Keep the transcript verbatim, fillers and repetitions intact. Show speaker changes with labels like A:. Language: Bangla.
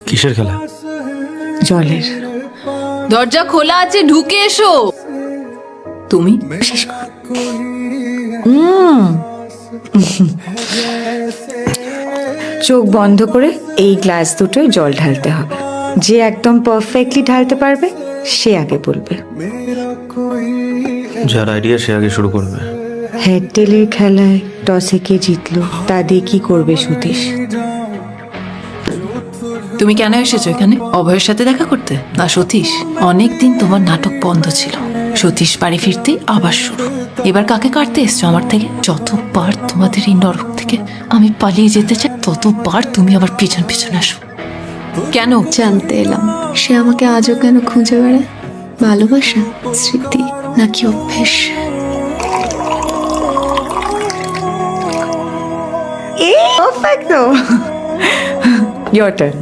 A: কিসের খেলা?
B: জলের।
C: দরজা খোলা আছে, ঢুকে এসো। তুমি
B: শেষ কর। উম। চোখ বন্ধ করে এই গ্লাস দুটোয় জল ঢালতে হবে। যে একদম পারফেক্টলি ঢালতে পারবে সে আগে বলবে।
A: যার আইডিয়া সে আগে শুরু করবে।
B: হেড টেলের খেলায় টসে কে জিতলো তা দিয়ে কি করবে সতীশ?
C: তুমি কেন এসেছো এখানে? অভয়ের সাথে দেখা করতে না সতীশ? অনেকদিন তোমার নাটক বন্ধ ছিল, সতীশ বাড়ি ফিরতেই আবার শুরু। এবার কাকে কাটতে এসছো আমার থেকে? যতবার তোমাদের এই নরক থেকে আমি পালিয়ে যেতে চাই, ততবার তুমি আবার পিছন পিছন আসো। কেন?
D: জানতে এলাম সে আমাকে আজও কেন খুঁজে বেড়ায়। ভালোবাসা, স্মৃতি নাকি অভ্যেস?
B: Perfecto. Your turn.